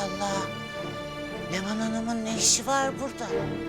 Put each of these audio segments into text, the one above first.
Allah. Leman Hanım'ın ne işi var burada?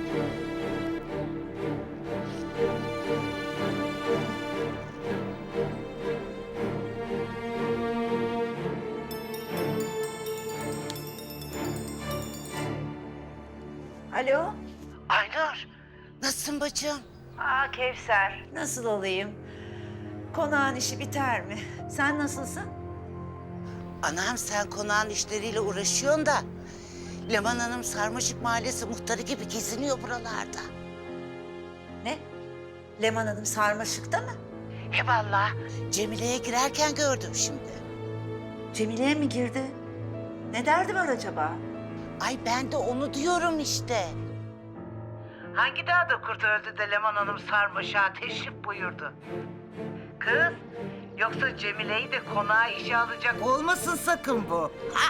Alo. Aynur, nasılsın bacım? Kevser. Nasıl olayım? Konağın işi biter mi? Sen nasılsın? Anam sen konağın işleriyle uğraşıyorsun da... Leman Hanım Sarmaşık Mahallesi muhtarı gibi geziniyor buralarda. Ne? Leman Hanım sarmaşıkta mı? He vallahi Cemile'ye girerken gördüm şimdi. Cemile'ye mi girdi? Ne derdi var acaba? Ay ben de onu diyorum işte. Hangi dağda kurt öldü de Leman Hanım sarmaşığa teşrif buyurdu? Kız, yoksa Cemile'yi de konağa işe alacak olmasın sakın bu.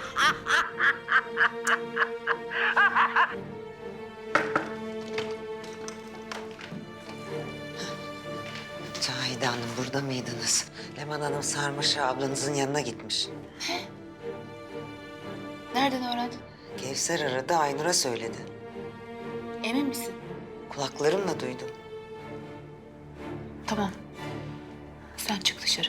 Cahide Hanım burada mıydınız? Leman Hanım Sarmaşık ablanızın yanına gitmiş. Nereden öğrendin? Kevser aradı, Aynur'a söyledi. Emin misin? Kulaklarımla duydum. Tamam. Sen çık dışarı.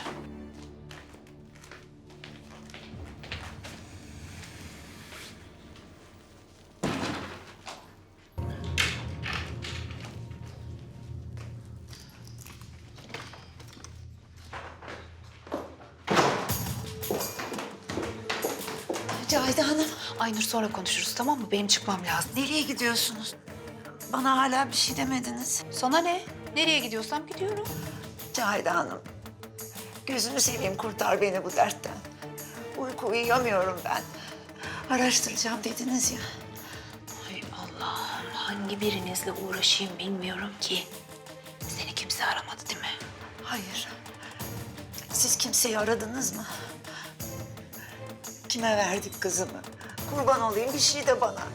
Cahide Hanım. Aynur sonra konuşuruz, tamam mı? Benim çıkmam lazım. Nereye gidiyorsunuz? Bana hala bir şey demediniz. Sana ne? Nereye gidiyorsam gidiyorum. Cahide Hanım. Gözünü seveyim kurtar beni bu dertten. Uyku uyuyamıyorum ben. Araştıracağım dediniz ya. Ay Allah'ım, hangi birinizle uğraşayım bilmiyorum ki. Seni kimse aramadı değil mi? Hayır. Siz kimseyi aradınız mı? Kime verdik kızımı? Kurban olayım bir şey de bana.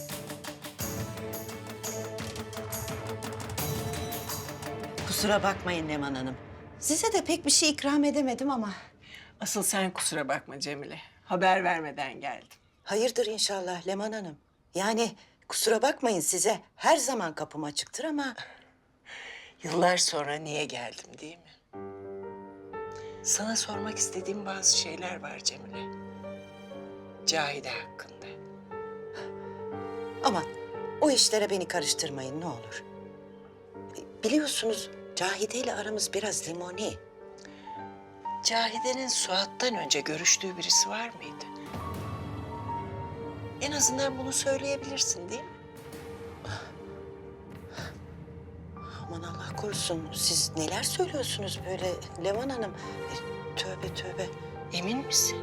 Kusura bakmayın Leman Hanım. Size de pek bir şey ikram edemedim ama. Asıl sen kusura bakma Cemile. Haber vermeden geldim. Hayırdır inşallah Leman Hanım. Yani kusura bakmayın size her zaman kapım açıktır ama... Yıllar sonra niye geldim değil mi? Sana sormak istediğim bazı şeyler var Cemile. Cahide hakkında. Ama o işlere beni karıştırmayın ne olur. Biliyorsunuz Cahide ile aramız biraz limoni. Cahide'nin Suat'tan önce görüştüğü birisi var mıydı? En azından bunu söyleyebilirsin değil mi? Aman Allah korusun siz neler söylüyorsunuz böyle Leman Hanım. Tövbe tövbe. Emin misin?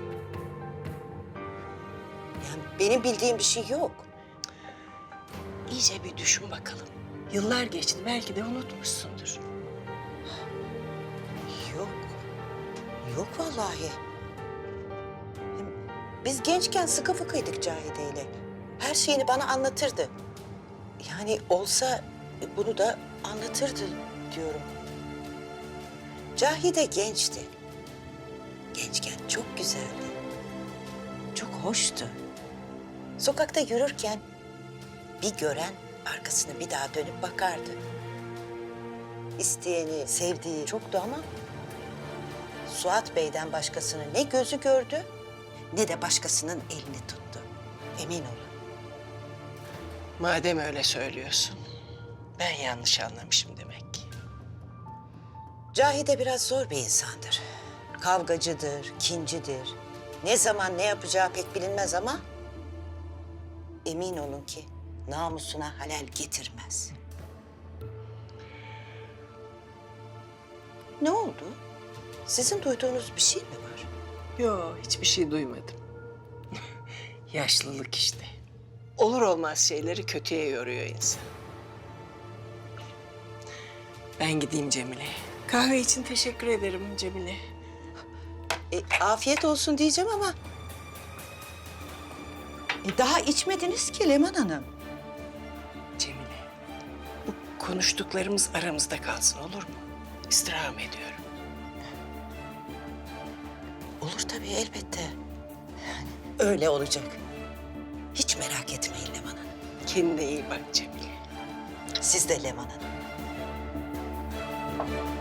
Yani benim bildiğim bir şey yok. İyice bir düşün bakalım. Yıllar geçti, belki de unutmuşsundur. Yok. Yok vallahi. Hem biz gençken sıkı fıkıydık Cahide ile. Her şeyini bana anlatırdı. Yani olsa bunu da anlatırdı diyorum. Cahide gençti. Gençken çok güzeldi. Çok hoştu. Sokakta yürürken bir gören arkasını bir daha dönüp bakardı. İsteyeni, sevdiği çoktu ama Suat Bey'den başkasını ne gözü gördü ne de başkasının elini tuttu. Emin olun. Madem öyle söylüyorsun, ben yanlış anlamışım demek ki. Cahide biraz zor bir insandır. Kavgacıdır, kincidir. Ne zaman ne yapacağı pek bilinmez ama emin olun ki namusuna halel getirmez. Ne oldu? Sizin duyduğunuz bir şey mi var? Yo, hiçbir şey duymadım. Yaşlılık işte. Olur olmaz şeyleri kötüye yoruyor insan. Ben gideyim Cemile. Kahve için teşekkür ederim Cemile. Afiyet olsun diyeceğim ama... daha içmediniz ki Leman Hanım. Cemile, bu konuştuklarımız aramızda kalsın olur mu? İstirham ediyorum. Olur tabii elbette. Yani öyle olacak. Hiç merak etmeyin Leman Hanım. Kendine iyi bak Cemile. Siz de Leman Hanım.